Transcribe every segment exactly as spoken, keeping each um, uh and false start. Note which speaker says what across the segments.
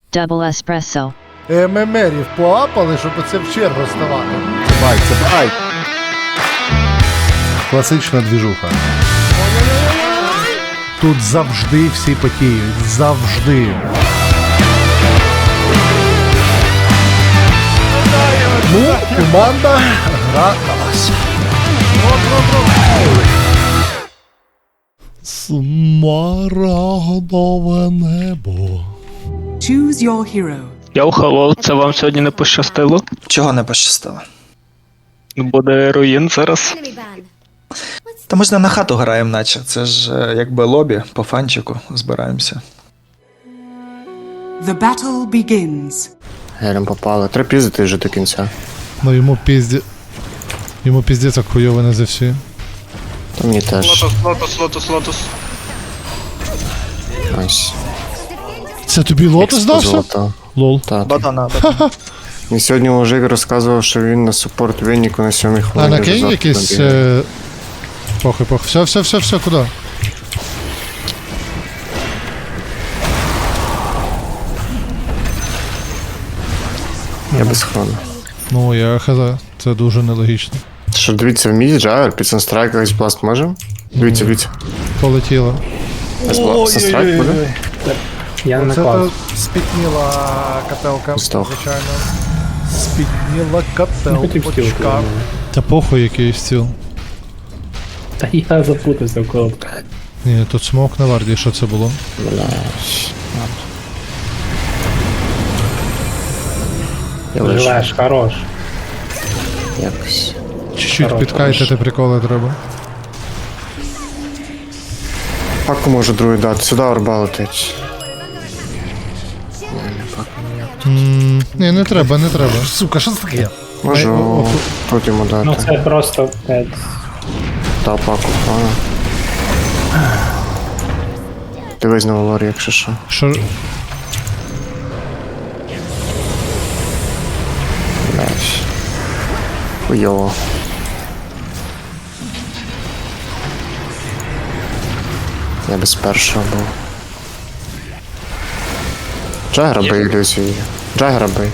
Speaker 1: Double espresso.
Speaker 2: ММРів поапали, щоб оце в чергу ставати. Бай, це бай. Класична двіжуха. Тут завжди всі потіють. Завжди. Ну, команда гра на вас. Смарагдове небо.
Speaker 3: Choose your hero.
Speaker 4: Йоу, хеллоу, це вам сьогодні не пощастило?
Speaker 5: Чого не пощастило?
Speaker 4: Буде руїн зараз.
Speaker 5: Та ми ж не на хату граємо, наче. Це ж е, якби лобі, по фанчику збираємося.
Speaker 3: The battle begins.
Speaker 6: Гелем попали. Треба піздити вже до кінця.
Speaker 2: Ну йому пізді... Йому піздець як хуйово не за всі.
Speaker 6: Та мені теж.
Speaker 4: Лотос, лотос, лотос, лотос.
Speaker 6: Найс.
Speaker 2: Це тобі лотос дався?
Speaker 6: Золото.
Speaker 2: Лол.
Speaker 6: Та, та.
Speaker 5: Бадана, бадана.
Speaker 6: І сьогодні мужик розказував, що він на супорт Вінніку на сьомій
Speaker 2: А
Speaker 6: хвилині.
Speaker 2: на Кейн
Speaker 6: вже
Speaker 2: якийсь...
Speaker 6: завтра набігає.
Speaker 2: Е... Похуй, похуй. Все, все, все, все, куди?
Speaker 6: Я без хрону.
Speaker 2: Ну, я хз. Це дуже нелогічно.
Speaker 6: Що, дивіться, в міді, Джагер, під санстрайк якийсь бласт можемо? Дивіться, дивіться.
Speaker 2: Полетіло.
Speaker 6: Санстрайк буде?
Speaker 7: Я не
Speaker 2: Це
Speaker 7: наклав.
Speaker 2: спітніла капелка,
Speaker 6: Здох.
Speaker 2: звичайно. Спітніла
Speaker 7: Не хотів стіл.
Speaker 2: капелочка. Та похуй який стіл.
Speaker 7: Та я запутався в коло.
Speaker 2: Ні, тут смок на варді, що це було?
Speaker 6: Блядь. Я лежу.
Speaker 7: Живеш, хорош.
Speaker 6: Якось.
Speaker 2: Чуть-чуть
Speaker 7: Хорош,
Speaker 2: підкайтити приколи треба.
Speaker 6: Паку можу другий дати. Сюди орба летить.
Speaker 2: Ммм, ні, не треба, не треба. Сука, що це таке?
Speaker 6: Можу
Speaker 2: Ай, о, о,
Speaker 6: тут йому
Speaker 7: Ну
Speaker 6: дати.
Speaker 7: це просто блядь,
Speaker 6: Та паку, ладно. Дивись на Валорі, якщо що.
Speaker 2: Що?
Speaker 6: Блядь. Хуйово. Я без першого був. Джагера бий, ілюзію. Джагера бий.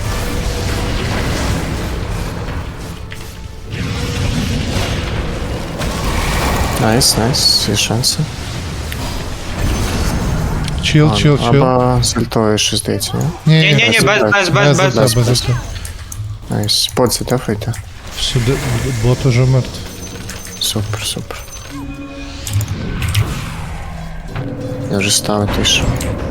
Speaker 6: Найс, найс, всі шанси.
Speaker 2: Чил, чил, чил.
Speaker 6: Або з альтою щось здається, ні?
Speaker 2: Ні, ні,
Speaker 4: Ні-ні, без, без, без, без.
Speaker 2: без, без, без.
Speaker 6: Найс. Подці, дефайте.
Speaker 2: Сюди, бот уже мертв.
Speaker 6: Супер, супер. Я вже ставити йшов.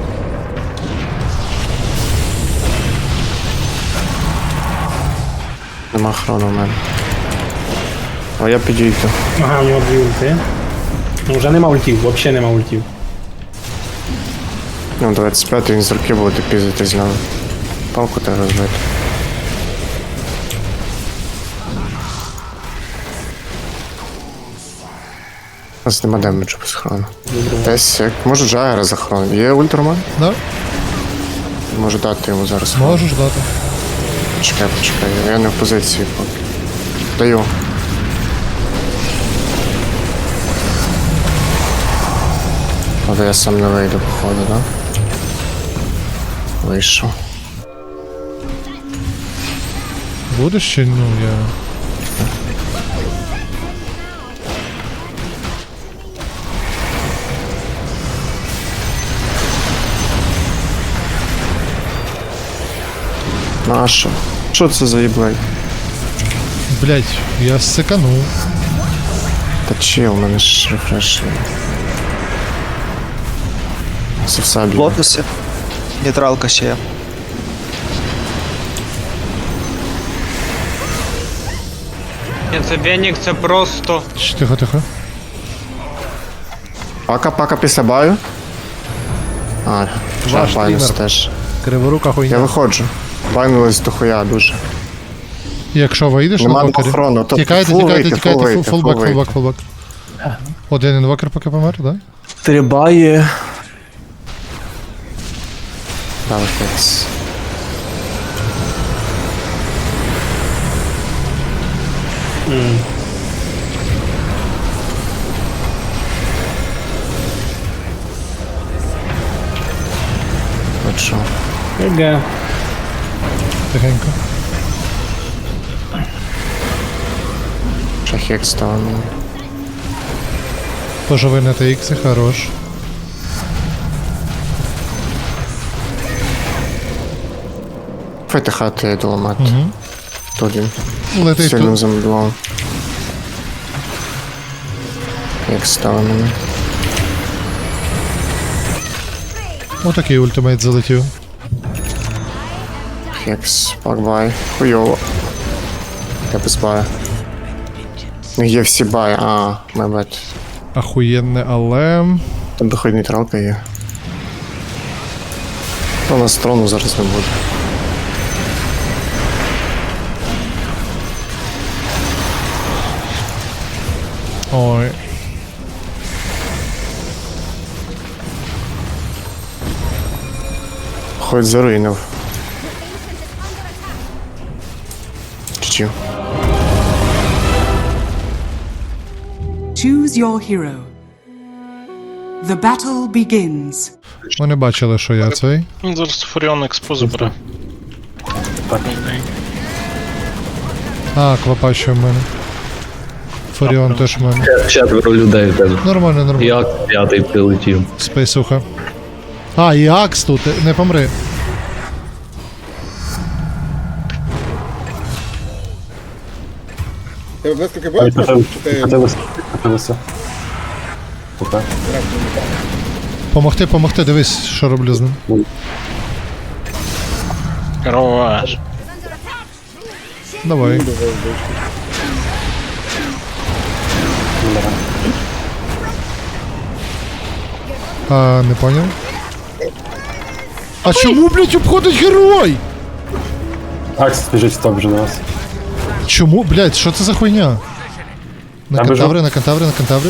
Speaker 6: Нема хрону в мене. А я підійду.
Speaker 7: ага, у нього дві ульти. Ну вже нема ультів, взагалі нема ультів.
Speaker 6: Ну, двадцять п'ять він з руки буде піздити з нами. Палку треба розбити. У нас нема демеджу без хрону. Десь, як можу Джагера за хрону. Є ультраман?
Speaker 2: Да?
Speaker 6: Можу дати йому зараз.
Speaker 2: Можеш дати.
Speaker 6: Чекай, почекай, я не в позиції поки. Даю. Але я сам не вийду, походу, да? Вийшов.
Speaker 2: Будеш чи ну я.
Speaker 6: Ну а що? Що це за їблей?
Speaker 2: Блять, я секанув.
Speaker 6: Та чил, у мене ж рефреш. Це все б'є.
Speaker 5: Лотоси. Нейтралка ще є.
Speaker 4: Ні, це Венік, це просто.
Speaker 2: Ч, Тихо, тихо.
Speaker 6: Пака, пака після баю. А,
Speaker 2: Ваш
Speaker 6: вже байнус
Speaker 2: тренер.
Speaker 6: теж.
Speaker 2: Криворука
Speaker 6: Я
Speaker 2: хуйня.
Speaker 6: виходжу. Байнулись до хуя дуже.
Speaker 2: Якщо вийдеш на
Speaker 6: Нема
Speaker 2: вокері.
Speaker 6: охорони, тобто
Speaker 2: Тікайте,
Speaker 6: фул
Speaker 2: тікайте,
Speaker 6: вийти,
Speaker 2: тікайте,
Speaker 6: фул
Speaker 2: фул,
Speaker 6: вийти,
Speaker 2: фулбак,
Speaker 6: фул
Speaker 2: фулбак, фулбак. Один інвокер поки помер, да?
Speaker 5: Стрибає.
Speaker 6: Да, виходить. От що.
Speaker 7: Г.
Speaker 2: Тихенько.
Speaker 6: Шахік став мені.
Speaker 2: Поживи на Т Х, хорош.
Speaker 6: Файте хати, я йду ламати.
Speaker 2: Угу.
Speaker 6: Тут він.
Speaker 2: Летить
Speaker 6: Сильно
Speaker 2: тут.
Speaker 6: замедлував. Як став мене.
Speaker 2: Отакий ультимейт залетів.
Speaker 6: Хекс, пакбай. Хуйово. Я без бая. Ну є всі бай, а, мебет.
Speaker 2: Ахуєнне, але...
Speaker 6: Там доходить нейтралка є. У нас трону зараз не буде.
Speaker 2: Ой.
Speaker 6: Хоть заруїнив. Чуть-чуть.
Speaker 3: Choose your hero. The battle begins.
Speaker 2: Вони бачили, що я цей.
Speaker 1: Він зараз Фуріон експо забере.
Speaker 2: А, квапа ще в мене. Фуріон теж в мене.
Speaker 8: Четверо людей в тебе.
Speaker 2: Нормально, нормально.
Speaker 8: Як п'ятий прилетів.
Speaker 2: Спейсуха. А, і Акс тут, не помри.
Speaker 9: Тебе близько бачиш?
Speaker 2: Помогти, помогти, дивись, що роблю з ним.
Speaker 1: Хорош.
Speaker 2: Давай. А, не поняв. А чому, блядь, обходить герой?
Speaker 7: Акс біжить в топ вже на вас.
Speaker 2: Чому, блядь, що це за хуйня? На
Speaker 7: Я
Speaker 2: кантаври, на кантаври, на кантаври.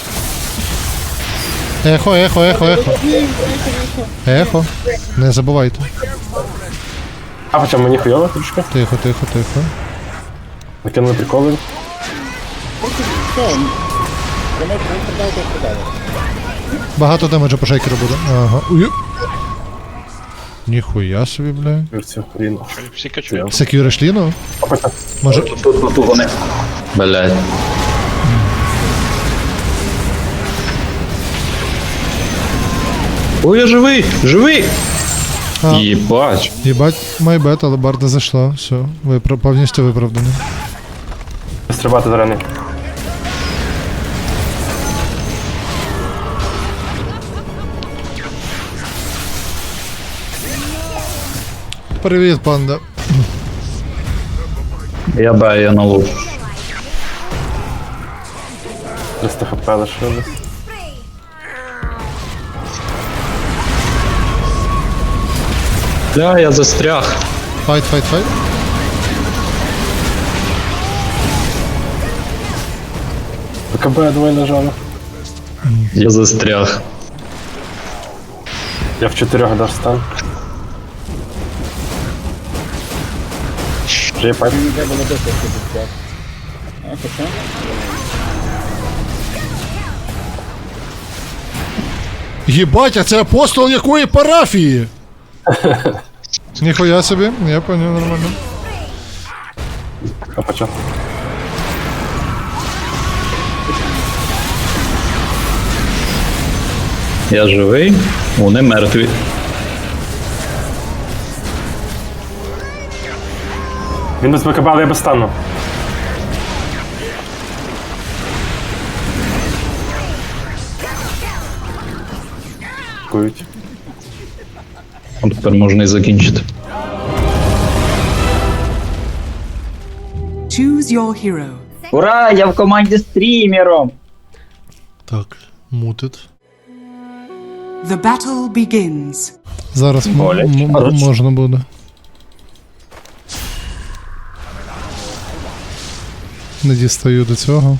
Speaker 2: Ехо, ехо, ехо, ехо. Ехо. Не забувайте.
Speaker 7: А хоча мені хуйово трішки.
Speaker 2: Тихо, тихо, тихо.
Speaker 7: Накинули приколи.
Speaker 2: Багато демеджа по шейкеру буде. Ага. Ой. Ніхуя собі, бля.
Speaker 7: Вірцю, рівно.
Speaker 1: Всі качують.
Speaker 2: Секюриш ліну? Може.
Speaker 8: Тут, тут вони. Блять. Ой, я живий! Живий!
Speaker 2: А.
Speaker 8: Єбач.
Speaker 2: Єбать, майбет, але барда зайшла. Все, випра... повністю виправдано.
Speaker 7: Стрибати зарані.
Speaker 2: Привіт, панда.
Speaker 8: Я баю, я на лук.
Speaker 7: триста хп лишилось.
Speaker 8: Бля, я застряг.
Speaker 2: Файт, файт, файт.
Speaker 7: БКБ двоє нажали.
Speaker 8: Я застряг.
Speaker 7: Я в чотирьох дав стан. Вже є пайп.
Speaker 2: Єбать, а це апостол якої парафії? Ніхуя собі, я поняв, нормально.
Speaker 7: А почав.
Speaker 8: Я живий, вони мертві.
Speaker 7: Він без БКБ, але я без стану. Кують.
Speaker 8: От тепер можна і закінчити.
Speaker 3: Choose your hero.
Speaker 10: Ура, я в команді з стрімером!
Speaker 2: Так, мутит.
Speaker 3: The battle begins.
Speaker 2: Зараз м- м- м- можна буде. Не дістаю до цього.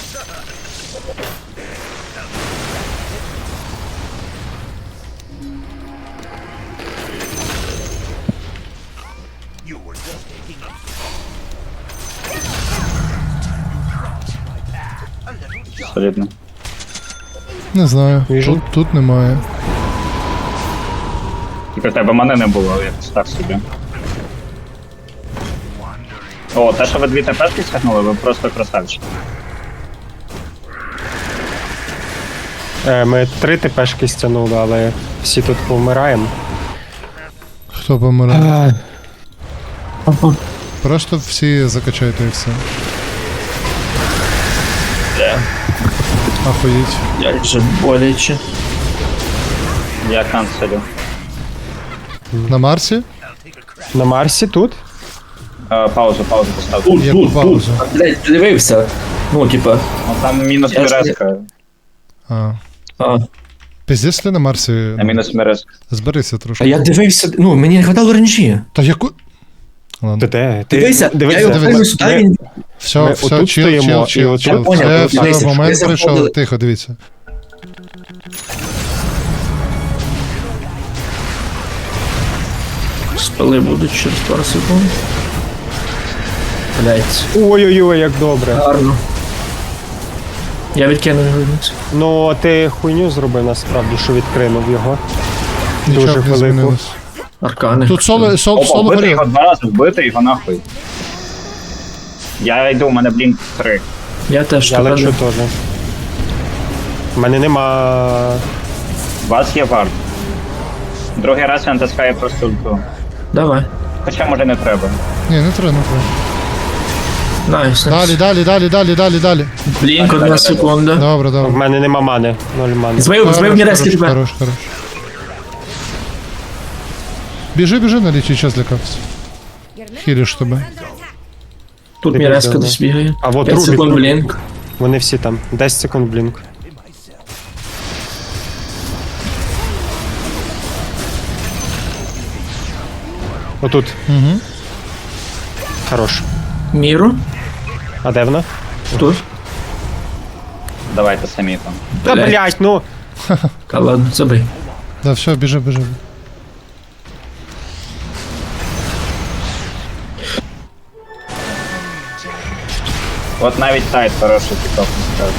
Speaker 10: Абсолютно.
Speaker 2: Не знаю, тут, тут немає.
Speaker 10: Тільки в тебе мене не було, якось так собі. О, те, що ви дві ТПшки стягнули, ви просто красавчики.
Speaker 7: Е, ми три ТПшки стягнули, але всі тут повмираємо.
Speaker 2: Хто помирає? Просто всі закачайте і все. Ахуїть.
Speaker 10: Як же боляче. Я канцелю.
Speaker 2: На Марсі?
Speaker 7: На Марсі тут?
Speaker 10: Е, паузу, паузу поставте.
Speaker 2: Яку паузу?
Speaker 10: Блять, дивився. Ну, типа. Ну там мінус мерезка.
Speaker 2: А.
Speaker 10: А.
Speaker 2: Пиздець ти на Марсі?
Speaker 10: На мінус мерезка.
Speaker 2: Зберися трошки.
Speaker 10: Я дивився, ну, мені не хватало ренджі.
Speaker 2: Та яку... Ладно.
Speaker 7: Ти де? Ти,
Speaker 10: Дивися,
Speaker 7: дивися.
Speaker 10: я його
Speaker 2: дивися.
Speaker 10: фільму сюди, він...
Speaker 2: Все,
Speaker 7: Ми
Speaker 2: все,
Speaker 7: отут
Speaker 2: чил,
Speaker 7: стоїмо,
Speaker 2: чил,
Speaker 7: і
Speaker 2: чил,
Speaker 7: от-
Speaker 2: чил.
Speaker 10: Я поняв,
Speaker 2: Все,
Speaker 10: ви
Speaker 2: все,
Speaker 10: дивіться,
Speaker 2: момент
Speaker 10: ви
Speaker 2: прийшов.
Speaker 10: заходили-
Speaker 2: Тихо, дивіться.
Speaker 10: Спали будуть через пару секунд. Блять,
Speaker 7: Ой-ой-ой, як добре.
Speaker 10: гарно. Я відкину його вниз.
Speaker 7: Ну, ти хуйню зробив насправді, що відкринув його.
Speaker 2: Нічого
Speaker 7: Дуже
Speaker 2: не
Speaker 7: велику.
Speaker 2: змінилось.
Speaker 10: Аркани.
Speaker 2: Тут соло, соло, соло
Speaker 10: вбити
Speaker 2: горів.
Speaker 10: його два рази, вбити його нахуй. Я йду, у мене блінк три.
Speaker 6: Я теж
Speaker 7: Я лечу теж. У мене нема.
Speaker 10: У вас є вард. Другий раз він натискає просто ульту.
Speaker 6: Давай.
Speaker 10: Хоча може не треба.
Speaker 2: Ні, не треба, не треба.
Speaker 6: Найс.
Speaker 2: Далі, далі, далі, далі, далі, далі.
Speaker 6: Блінк, одна секунда.
Speaker 2: Добре,
Speaker 7: В
Speaker 2: добре.
Speaker 7: мене нема мани. Ноль мани.
Speaker 6: Збив, збив мені резки
Speaker 2: Хорош,
Speaker 6: тебе.
Speaker 2: хорош, хорош. Біжи, біжи, на лічий час злякався. Хіліш тебе.
Speaker 6: Тут
Speaker 7: Ти
Speaker 6: мені резка
Speaker 7: підбив,
Speaker 6: десь бігає.
Speaker 7: А от
Speaker 6: п'ять
Speaker 7: Рубік,
Speaker 6: секунд
Speaker 7: Рубік.
Speaker 6: блінк.
Speaker 7: Вони всі там. десять секунд блінк. Отут.
Speaker 2: Угу.
Speaker 7: Хорош.
Speaker 6: Міру.
Speaker 7: А де вона?
Speaker 6: Тут.
Speaker 10: Давайте самі там.
Speaker 7: Та
Speaker 6: Блядь.
Speaker 7: блять, ну.
Speaker 6: Та ладно, забий.
Speaker 2: Да, все, біжи, біжи.
Speaker 10: От навіть тайт хороший тікток не скажу.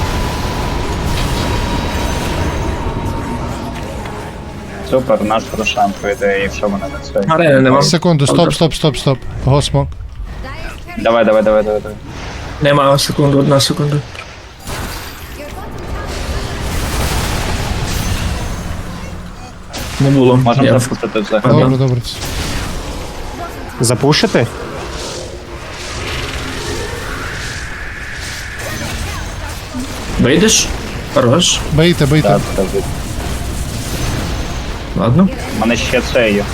Speaker 10: Супер, наш Рошан пройде, якщо мене не це.
Speaker 6: Арени нема.
Speaker 2: Секунду, стоп, стоп, стоп, стоп. Госмок.
Speaker 10: Давай, давай, давай, давай, давай.
Speaker 6: Нема секунду, одна секунда. Не було.
Speaker 10: Можемо
Speaker 6: Я-
Speaker 10: запустити взагалі.
Speaker 2: Добре, добре.
Speaker 7: Запушити?
Speaker 6: Вийдеш? Хорош.
Speaker 2: Бийте, бийте.
Speaker 10: Так, так, так.
Speaker 6: Ладно.
Speaker 10: У мене ще це є.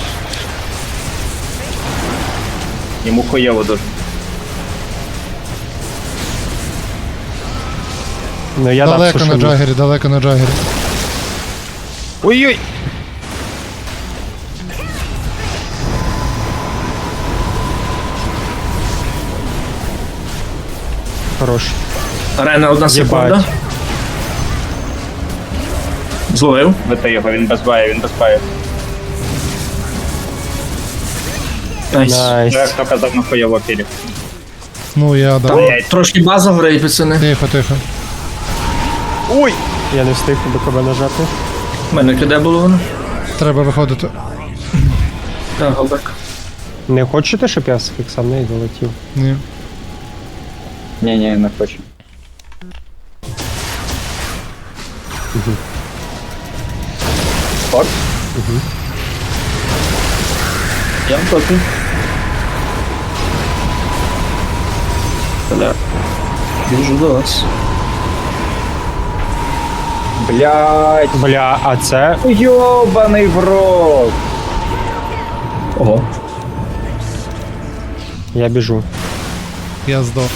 Speaker 10: Йому хуєво дуже.
Speaker 7: Ну я дав
Speaker 2: Далеко на
Speaker 7: сушину.
Speaker 2: джагері, далеко на джагері.
Speaker 7: Ой-ой! Хорош.
Speaker 6: Арена, одна секунда.
Speaker 7: Єбать.
Speaker 6: Зловив.
Speaker 10: Бити його, він без баю, він без баю.
Speaker 6: Найс.
Speaker 10: Ну, як
Speaker 7: Найс.
Speaker 10: хто казав, на хуєво пілі.
Speaker 2: Ну, я дав.
Speaker 10: Блять,
Speaker 6: Трошки база горить, пацани.
Speaker 2: Тихо, тихо.
Speaker 7: Ой! Я не встиг до кого нажати.
Speaker 6: У мене киде було воно?
Speaker 2: Треба виходити.
Speaker 6: Так, голбек.
Speaker 7: Не хочете, щоб я з фіксом не долетів?
Speaker 2: Ні.
Speaker 10: ні, ні, не хочу. Спорт? Я не проти.
Speaker 6: Бля. Біжу до вас.
Speaker 10: Блять,
Speaker 7: Бля, а це.
Speaker 10: йобаний в рот.
Speaker 6: Ого.
Speaker 7: Я біжу.
Speaker 2: Я здох.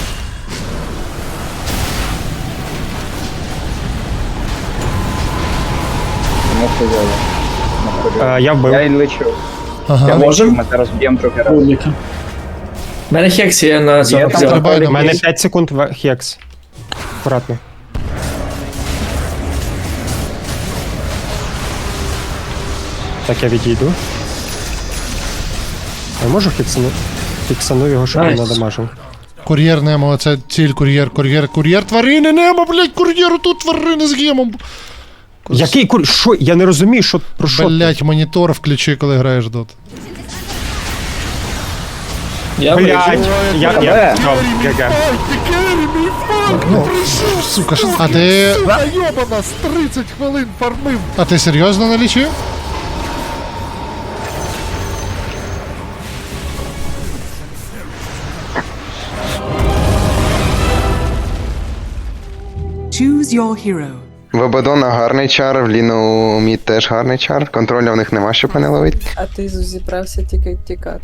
Speaker 10: Не хуєво. Не хуєво.
Speaker 7: Е, я вбив.
Speaker 10: Я й лечу. Я
Speaker 2: Ага.
Speaker 10: лечу,
Speaker 6: можем?
Speaker 10: ми зараз б'ємо другий раз.
Speaker 6: У мене хекс є на цьому
Speaker 10: там
Speaker 6: взяв.
Speaker 2: треба-
Speaker 7: У мене п'ять секунд в- хекс. Аккуратно. Так, я відійду. Я можу фіксану? Фіксану його, щоб він
Speaker 6: Найс.
Speaker 7: надамажив.
Speaker 2: Кур'єр Немо, це ціль, кур'єр, кур'єр, кур'єр, тварини Немо, блядь, кур'єр, тут тварини з гемом.
Speaker 7: Який кур... Що? Я не розумію, що про що. ти?
Speaker 2: Блять, монітор включи, коли граєш дот.
Speaker 8: Я
Speaker 7: Блядь,
Speaker 8: вижу.
Speaker 7: я, я, я, ГГ.
Speaker 2: Ну, сука, що... А ти... Йобана, з тридцять хвилин фармив. А ти серйозно налічив?
Speaker 3: Choose your hero.
Speaker 6: В Абадона гарний чар, в Ліну Мід теж гарний чар. Контроля в них нема, щоб мене ловити.
Speaker 9: А ти зібрався тільки тікати.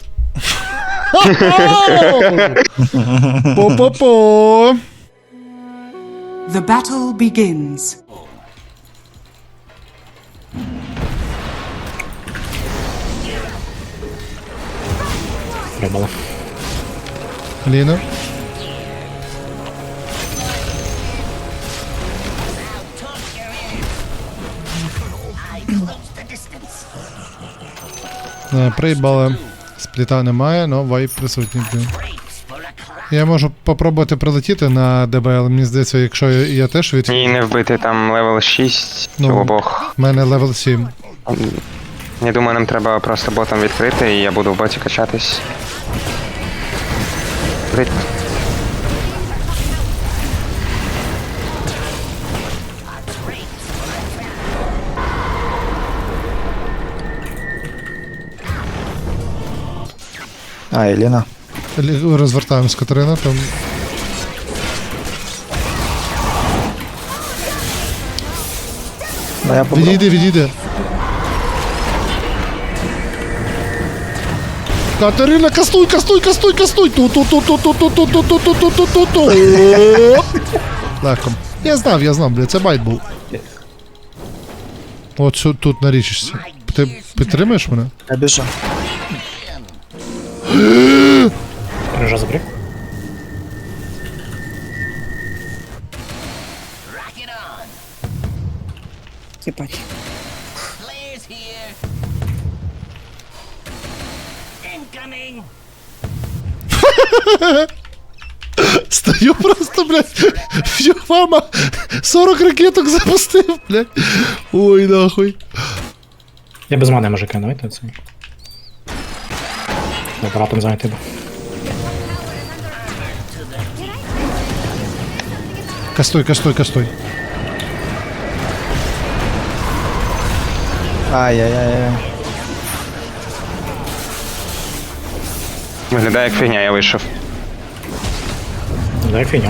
Speaker 2: По-по-по.
Speaker 3: The battle begins.
Speaker 2: Ліна. Е, Приїбали. Спліта немає, але вайп присутній. блін. Я можу попробувати прилетіти на ДБЛ, мені здається, якщо я, я теж від...
Speaker 6: Ні, не вбити, там левел шість
Speaker 2: Ну.
Speaker 6: у обох.
Speaker 2: У мене левел сім.
Speaker 6: Я думаю, нам треба просто ботом відкрити, і я буду в боті качатись. Крит.
Speaker 5: А, Еліна.
Speaker 2: Лі- Розвертаємось, Катерина, там...
Speaker 5: Ну, я побрав.
Speaker 2: Відійди, відійди. Катерина, кастуй, кастуй, кастуй, кастуй. ту ту ту ту ту ту ту ту ту ту ту ту ту Легко. Я знав, я знав, бля, це байт був. От що тут нарічишся. Ти підтримуєш мене?
Speaker 5: Я біжу.
Speaker 9: Єбать.
Speaker 2: Стою просто, блядь, фьюфама сорок ракеток запустив, блядь. Ой, нахуй.
Speaker 11: Я без мене можу кинути це. Апаратом зайти.
Speaker 2: Кастуй, кастуй, кастуй.
Speaker 5: Ай-яй-яй.
Speaker 6: Виглядає як фігня, я вийшов.
Speaker 11: Дай фігня.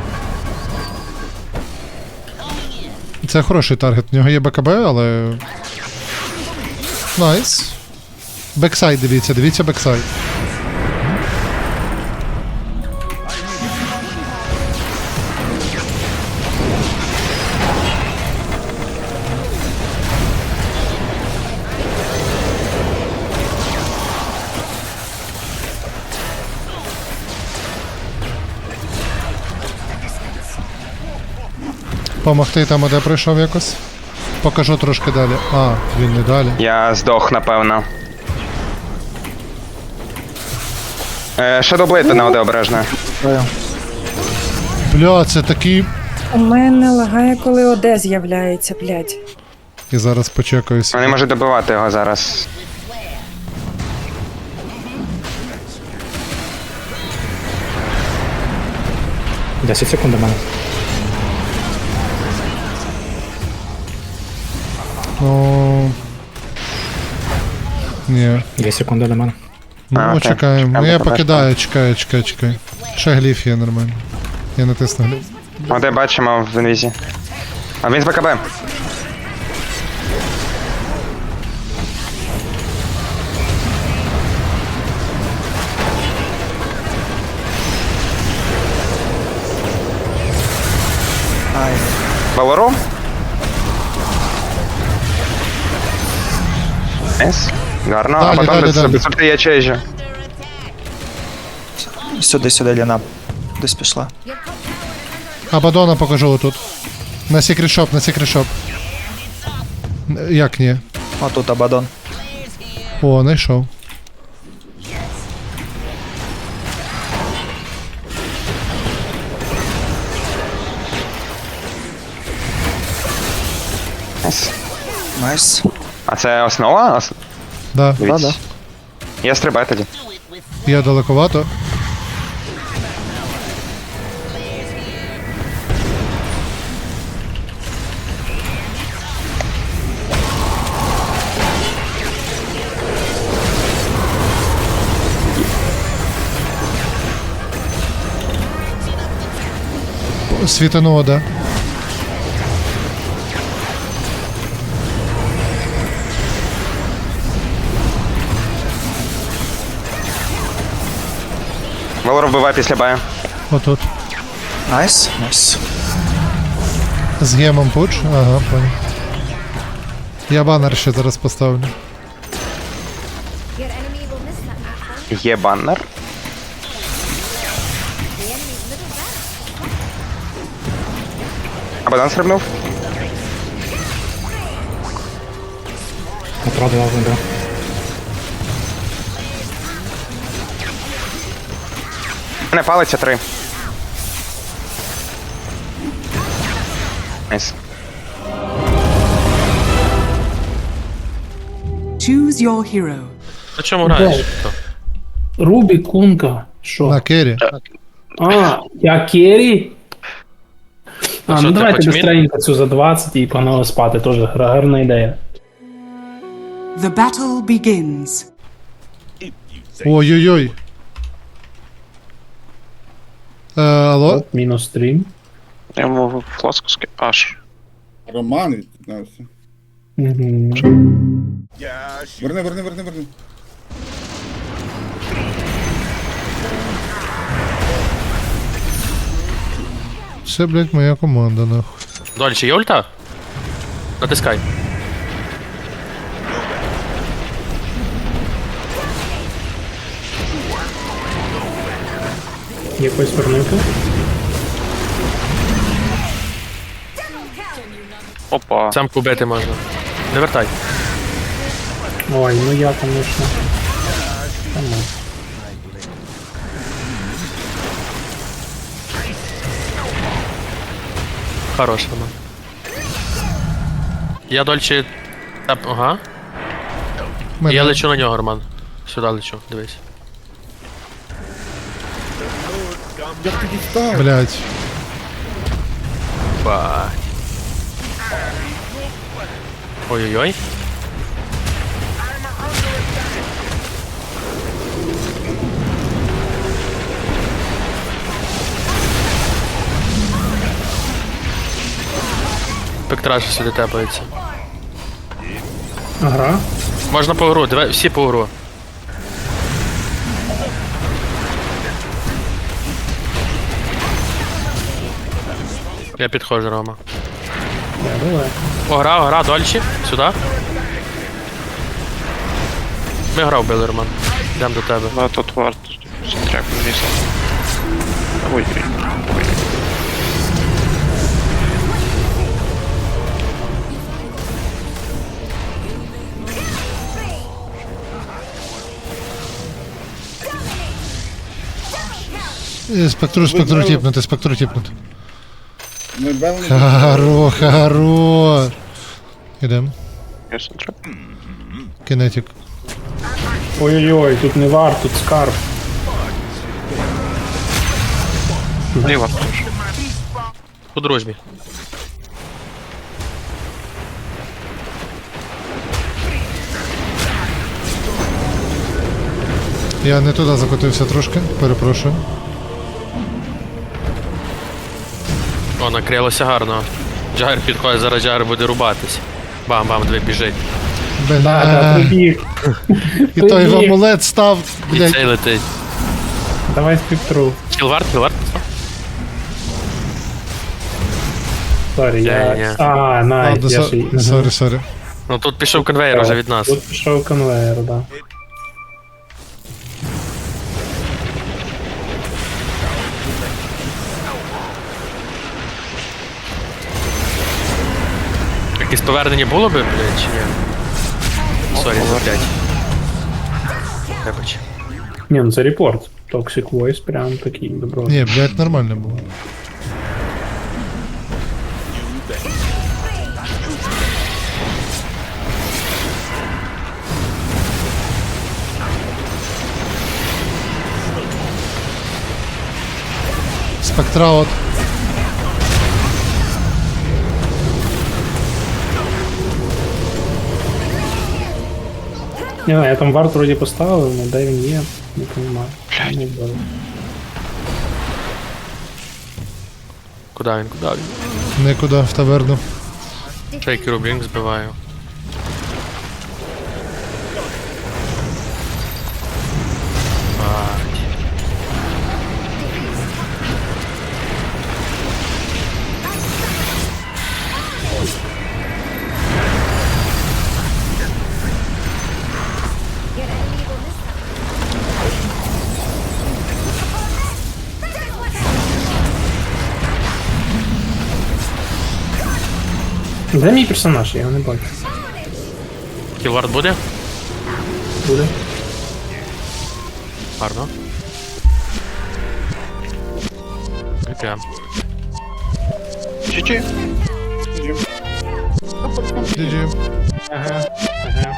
Speaker 2: Це хороший таргет. В нього є БКБ, але. Найс. Бексайд дивіться, дивіться бексайд. Помогти там, де прийшов якось. Покажу трошки далі. А, він не далі.
Speaker 6: Я здох, напевно. Е, Shadowblade на оде обережно.
Speaker 2: Бля, це такий.
Speaker 9: У мене лагає, коли ОД з'являється, блядь.
Speaker 2: І зараз почекаюсь.
Speaker 6: Вони можуть добивати його зараз.
Speaker 11: десять секунд до мене.
Speaker 2: Ну. Ні.
Speaker 11: дві секунди до мене.
Speaker 2: Ну,
Speaker 6: А, окей.
Speaker 2: чекаємо. Ну,
Speaker 6: Чекаємо,
Speaker 2: я
Speaker 6: поки
Speaker 2: покидаю, чекаю, чекаю, чекаю. Ще гліф є нормально. Я натисну гліф.
Speaker 6: Оде бачимо в інвізі. А він з БКБ.
Speaker 5: Ай.
Speaker 6: Валору? Ес. Гарно,
Speaker 2: Далі,
Speaker 6: а
Speaker 2: далі,
Speaker 6: потім
Speaker 2: далі.
Speaker 6: без сорти я чейджу.
Speaker 5: Сюди, сюди, Ліна. Десь пішла.
Speaker 2: Абадона покажу отут. На секретшоп, на секретшоп. Як ні?
Speaker 5: О, тут Абадон.
Speaker 2: О, знайшов.
Speaker 6: Ес.
Speaker 5: Найс.
Speaker 12: А це основа? Ос...
Speaker 2: Да.
Speaker 12: Дивіться. Я стрибаю тоді.
Speaker 2: Я далековато. Світануло, да.
Speaker 12: Валор вбиває після бая.
Speaker 2: Отут.
Speaker 5: Найс. Найс.
Speaker 2: З гемом пуч. Ага, понял. Я банер ще зараз поставлю.
Speaker 12: Є баннер. Абадан стрибнув.
Speaker 11: Отраду дав вибрав.
Speaker 12: У мене палиться три. Найс.
Speaker 3: Choose your hero.
Speaker 1: На чому граєш?
Speaker 11: Рубі, Кунка. Що?
Speaker 2: На кері.
Speaker 11: А, я Керрі? А,
Speaker 1: що,
Speaker 11: ну
Speaker 1: ти
Speaker 11: давайте
Speaker 1: хочеш мід?
Speaker 11: быстренько цю за двадцять і погнали спати, теж гарна ідея.
Speaker 3: The battle begins.
Speaker 2: Ой-ой-ой. Е, алло?
Speaker 11: Оп, мінус стрім.
Speaker 1: Я йому флоску ски... Аж.
Speaker 13: Роман відпітнався.
Speaker 11: Угу.
Speaker 13: Верни, верни, верни, верни.
Speaker 2: Це, блядь, моя команда, нахуй.
Speaker 1: Дольче, є ульта? Натискай.
Speaker 11: Якось вернути.
Speaker 1: Опа. Сам кубити можна. Не вертай.
Speaker 11: Ой, ну я, конечно. Та ну.
Speaker 1: Хорош, Роман. Я дольче... Тап... Ага.
Speaker 2: Мене-
Speaker 1: Я лечу на нього, Роман. Сюди лечу, дивись.
Speaker 13: Як ти дістав?
Speaker 2: Блядь.
Speaker 1: Бать. Ой-ой-ой. Спектраж сюди тепається.
Speaker 11: Ага.
Speaker 1: Можна по гру, давай всі по гру. Я підходжу, Рома.
Speaker 11: Я давай.
Speaker 1: Огра, огра, дольче. Сюди. Ми гра вбили, Роман. Йдемо до тебе. Да, тут варто. Трек вісім. Ой, ой, ой.
Speaker 2: Е, Спектру, спектру тіпнути, спектру тіпнути.
Speaker 13: Ми бели.
Speaker 2: Харо, харо. Ідем. Кинетик.
Speaker 11: Ой-ой-ой, тут не вар, тут скарб.
Speaker 1: Ліва. По дружбі.
Speaker 2: Я не туди закотився трошки, перепрошую.
Speaker 1: О, накрилося гарно. Джагер підходить, зараз Джагер буде рубатись. Бам-бам, дві біжить.
Speaker 11: Да, да,
Speaker 2: Бля.
Speaker 11: прибіг.
Speaker 2: І той в
Speaker 11: Прибіг.
Speaker 2: амулет став,
Speaker 1: І
Speaker 2: блядь.
Speaker 1: цей летить.
Speaker 11: Давай спектру.
Speaker 1: Кілвард, кілвард.
Speaker 11: Сорі, я...
Speaker 1: Ні-ні.
Speaker 11: А, найс,
Speaker 2: Ладно,
Speaker 11: я
Speaker 2: со-
Speaker 11: ще... й-
Speaker 2: сорі, сорі.
Speaker 1: Ну тут пішов конвейер вже від нас.
Speaker 11: Тут пішов конвейер, да.
Speaker 1: Якесь повернення було би, блядь, чи ні? Сорі, за п'ять. Вибач.
Speaker 11: Ні, ну це репорт. Toxic Voice прям такий добро.
Speaker 2: Ні, блядь, нормально було. Спектра от.
Speaker 11: Не знаю, я там варт вроді поставив, але де він є, не розумію. Блядь.
Speaker 1: Куди він, куди він?
Speaker 2: Нікуди, в таверну.
Speaker 1: Шейкеру блінк збиваю. Бать.
Speaker 11: Де мій персонаж? Я його не бачу.
Speaker 1: Кілвард буде?
Speaker 11: Буде.
Speaker 1: Гарно. Окей.
Speaker 12: Чи-чи.
Speaker 2: джі джі.
Speaker 11: Ага, ага.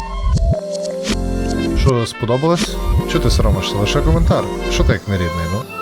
Speaker 2: Що, сподобалось? Чого ти соромишся? Лише коментар. Що ти як нерідний, ну?